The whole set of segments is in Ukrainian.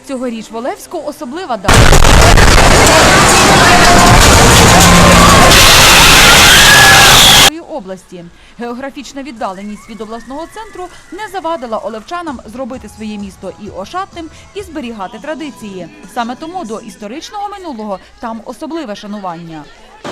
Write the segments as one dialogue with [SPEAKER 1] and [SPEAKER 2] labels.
[SPEAKER 1] Цьогоріч в Олевську особлива дата. Області. Географічна віддаленість від обласного центру не завадила олевчанам зробити своє місто і ошатним, і зберігати традиції. Саме тому до історичного минулого там особливе шанування.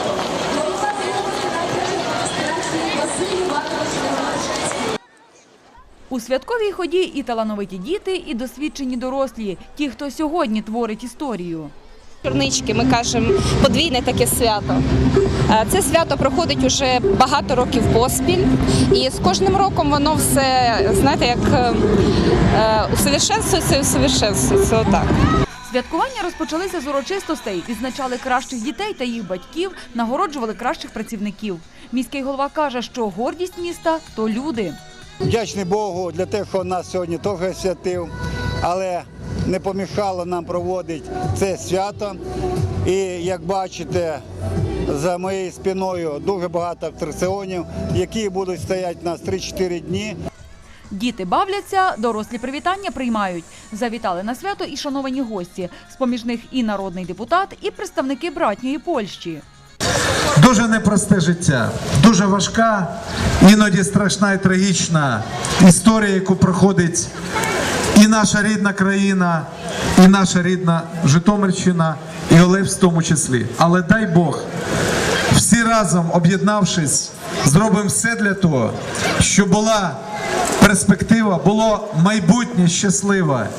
[SPEAKER 1] У святковій ході і талановиті діти, і досвідчені дорослі, ті, хто сьогодні творить історію.
[SPEAKER 2] Чорнички, ми кажемо, подвійне таке свято. Це свято проходить уже багато років поспіль, і з кожним роком воно все, знаєте, як усовершенствується і усовершенствується, отак.
[SPEAKER 1] Святкування розпочалися з урочистостей, відзначали кращих дітей та їх батьків, нагороджували кращих працівників. Міський голова каже, що гордість міста – то люди.
[SPEAKER 3] Вдячний Богу для того, що нас сьогодні теж святив, але не помішало нам проводити це свято. І, як бачите, за моєю спиною дуже багато атракціонів, які будуть стояти у нас 3-4 дні.
[SPEAKER 1] Діти бавляться, дорослі привітання приймають. Завітали на свято і шановані гості. З-поміж них і народний депутат, і представники братньої Польщі.
[SPEAKER 4] Дуже непросте життя, дуже важка, іноді страшна і трагічна історія, яку проходить і наша рідна країна, і наша рідна Житомирщина, і Олевськ в тому числі. Але дай Бог, всі разом об'єднавшись, зробимо все для того, щоб була перспектива, було майбутнє щасливе.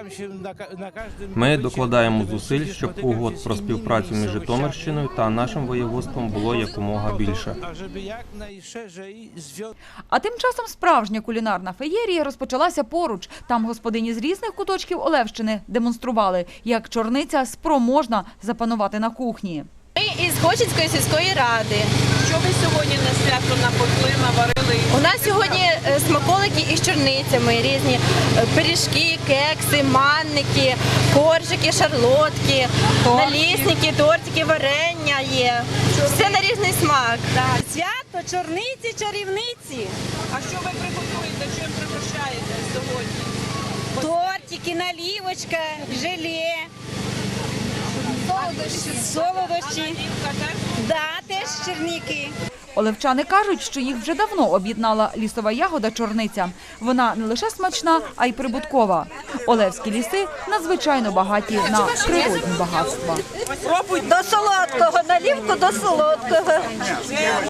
[SPEAKER 5] Ми докладаємо зусиль, щоб угод про співпрацю між Житомирщиною та нашим воєводством було якомога більше.
[SPEAKER 1] А тим часом справжня кулінарна феєрія розпочалася поруч. Там господині з різних куточків Олевщини демонстрували, як чорниця спроможна запанувати на кухні.
[SPEAKER 2] Ми із Хочицької сільської ради.
[SPEAKER 6] Що ви сьогодні на свято напекли, наварили?
[SPEAKER 2] У нас сьогодні смаколики із чорницями, різні пиріжки, кекси, манники, коржики, шарлотки, налісники, тортики, варення є. Все на різний смак.
[SPEAKER 6] Свято, чорниці, чарівниці. А що ви приготуєте, чим пригощаєте сьогодні?
[SPEAKER 7] Тортики, наливочка, желе, солодощі. Да, теж черники.
[SPEAKER 1] Олевчани кажуть, що їх вже давно об'єднала лісова ягода чорниця. Вона не лише смачна, а й прибуткова. Олевські ліси надзвичайно багаті на природні багатства.
[SPEAKER 7] До солодкого, наливку до солодкого.